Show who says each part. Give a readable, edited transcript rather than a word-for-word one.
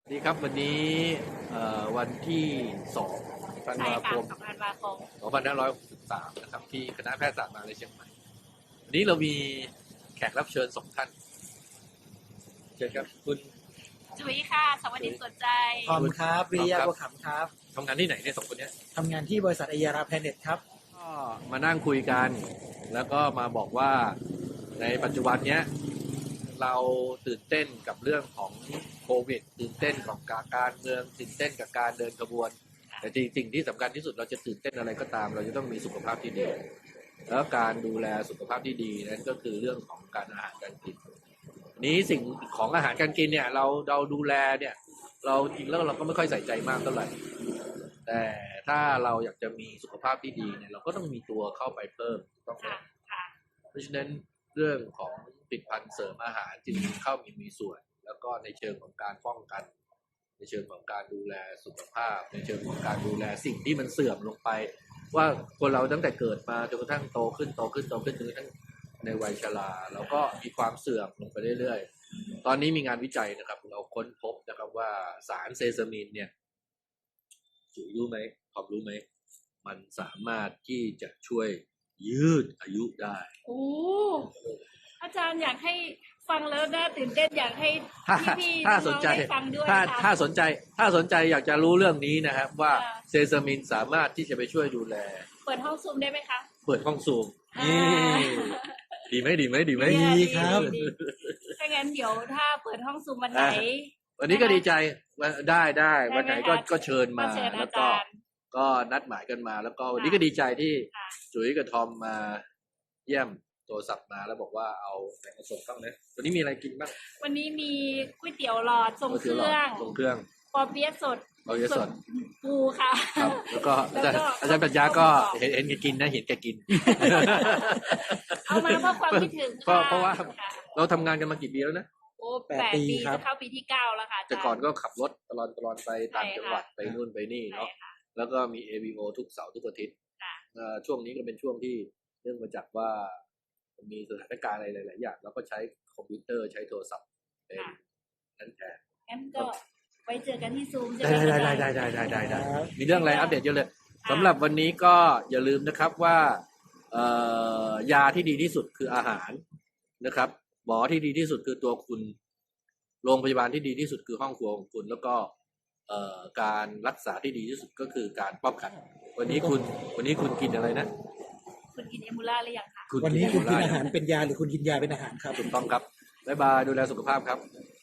Speaker 1: ดีครับวันนี้วันที่2ธัน
Speaker 2: ใช่
Speaker 1: วาค
Speaker 2: ค่ะ
Speaker 1: ม
Speaker 2: 2 ธันวาคม
Speaker 1: 2563นะครับที่คณะแพทยศาสตร์มหาวิทยาลัยเชียงใหม่วันนี้เรามีแขกรับเชิญ2 ท่านเชิญครับคุณ
Speaker 2: จุ๋ยค่ะ สวัสดีสนใจ
Speaker 3: ทอมครับวิริยะบัวขำครับ
Speaker 1: ทำงานที่ไหนเนี่ย2 คนเนี้ย
Speaker 3: ทำงานที่บริษัทไอยาราแพลเน็ตครับ
Speaker 1: ก็มานั่งคุยกันแล้วก็มาบอกว่าในปัจจุบันเนี้ยเราตื่นเต้นกับเรื่องของโควิดตื่นเต้นกับการเมืองตื่นเต้นกับการเดินขบวนแต่จริงๆที่สำคัญที่สุดเราจะตื่นเต้นอะไรก็ตามเราจะต้องมีสุขภาพที่ดีแล้วการดูแลสุขภาพที่ดีนั้นก็คือเรื่องของการอาหารการกินนี้สิ่งของอาหารการกินเนี่ยเราดูแลเนี่ยเราจริงแล้วเราก็ไม่ค่อยใส่ใจมากเท่าไหร่แต่ถ้าเราอยากจะมีสุขภาพที่ดีเนี่ยเราก็ต้องมีตัวเข้าไปเพิ่มต้อง
Speaker 2: ค่ะ ค่ะ
Speaker 1: เพราะฉะนั้นเรื่องของผลิตภัณฑ์เสริมอาหารจึงเข้ามีส่วน แล้วก็ในเชิงของการป้องกัน ในเชิงของการดูแลสุขภาพ ในเชิงของการดูแลสิ่งที่มันเสื่อมลงไป ว่าคนเราตั้งแต่เกิดมาจนกระทั่งโตขึ้นจนกระทั่งในวัยชราเราก็มีความเสื่อมลงไปเรื่อยๆตอนนี้มีงานวิจัยนะครับเราค้นพบนะครับว่าสารเซซามินเนี่ยจุ๋ยรู้ไหมขอบรู้ไหมมันสามารถที่จะช่วยยืดอายุได้
Speaker 2: โอ้อาจารย์อยากให้ฟังแล้วน่าตื่นเต้นอยากให้พี่ๆ
Speaker 1: ถ้า
Speaker 2: น้
Speaker 1: ส
Speaker 2: อน ง
Speaker 1: ใจ
Speaker 2: ๆได้ฟังด้วย
Speaker 1: ถ้า
Speaker 2: ค่ะ
Speaker 1: ถ้าสนใจอยากจะรู้เรื่องนี้นะครับว่า
Speaker 2: ค่ะ
Speaker 1: เซซามินสามารถที่จะไปช่วยดูแล
Speaker 2: เปิดห้องซูมได้ไหมคะ
Speaker 1: เปิดห้องซูม
Speaker 2: อ่า
Speaker 1: ดีไหม
Speaker 3: ดีครับ
Speaker 2: ดีถ้างั้นเดี๋ยวถ้าเปิดห้องซูมวันไหน
Speaker 1: วันนี้ก็ดีใจว่าได้วันไหนก็
Speaker 2: ได้ไหมคะ
Speaker 1: ก็เชิญมา
Speaker 2: เชิญ
Speaker 1: แล้
Speaker 2: อาว
Speaker 1: ก็
Speaker 2: จารย์
Speaker 1: ก็นัดหมายกันมา แล้วก็วันนี้
Speaker 2: ค่ะ
Speaker 1: ก็ดีใจที่
Speaker 2: ค่ะ
Speaker 1: จุ๋ยกับทอมมาเยี่ยมโทรศัพท์มาแล้วบอกว่าเอาแกงส่งเข้านะวันนี้มีอะไรกินบ้าง
Speaker 2: วันนี้มีก๋วยเตี๋ยวหลอดทรงเครื่อง
Speaker 1: ส่งเครื่อง
Speaker 2: ปอเปี๊ยะสด
Speaker 1: เอาเยอะสด
Speaker 2: ปูค่ะ
Speaker 1: ครับแล้วก็อาจารย์
Speaker 2: แล้วก็
Speaker 1: อาจารย์ปัญญาก็เห็นแกกินนะเห็นแกกิน
Speaker 2: เอามาเพราะความคิดถึง
Speaker 1: เพราะว่า
Speaker 2: ค่ะ
Speaker 1: เราทำงานกันมากี่ปีแล้วนะ
Speaker 2: โอ้
Speaker 3: 8
Speaker 2: 8 ปี
Speaker 3: ครั
Speaker 2: จะ
Speaker 3: บ
Speaker 2: เข้าปีที่ 9 แล้วค่ะาจารย์
Speaker 1: แต่ก่อนก็ขับรถตลอดไปต่างจังหวัด
Speaker 2: ใช่ค่ะ
Speaker 1: ไปนู่นไปนี่เนาะ
Speaker 2: ใช่ค่ะ
Speaker 1: แล้วก็มี AVO ทุกเสาร์ทุกอาทิตย์
Speaker 2: ค่ะ
Speaker 1: ช่วงนี้ก็เป็นช่วงที่เนื่องมาจากว่ามีสถานการณ์อะไรหลายๆอย่างแล้วก็ใช้คอมพิวเตอร์ใช้โทรศัพท์เป็นนั่นแทน
Speaker 2: งั้นก็ไว้เจอกันที่ซูมใช่
Speaker 1: ได้
Speaker 2: ไหม
Speaker 1: ได้
Speaker 2: อาจารย์
Speaker 1: ได้มีเรื่องอะไรอัปเดตเยอะเลยสำหรับวันนี้ก็อย่าลืมนะครับว่ายาที่ดีที่สุดคืออาหารนะครับหมอที่ดีที่สุดคือตัวคุณโรงพยาบาลที่ดีที่สุดคือห้องครัวของคุณแล้วก็การรักษาที่ดีที่สุดก็คือการป้องกันวันนี้คุณกินอะไรนะ
Speaker 2: คุณกินเอมูล่าหรือยังคะ
Speaker 3: วันนี้คุณกิน
Speaker 1: ะไร
Speaker 3: อาหารเป็นยาหรือคุณกินยาเป็นอาหารครับ
Speaker 1: ถูกต้องครับบ๊ายบายดูแลสุขภาพครับ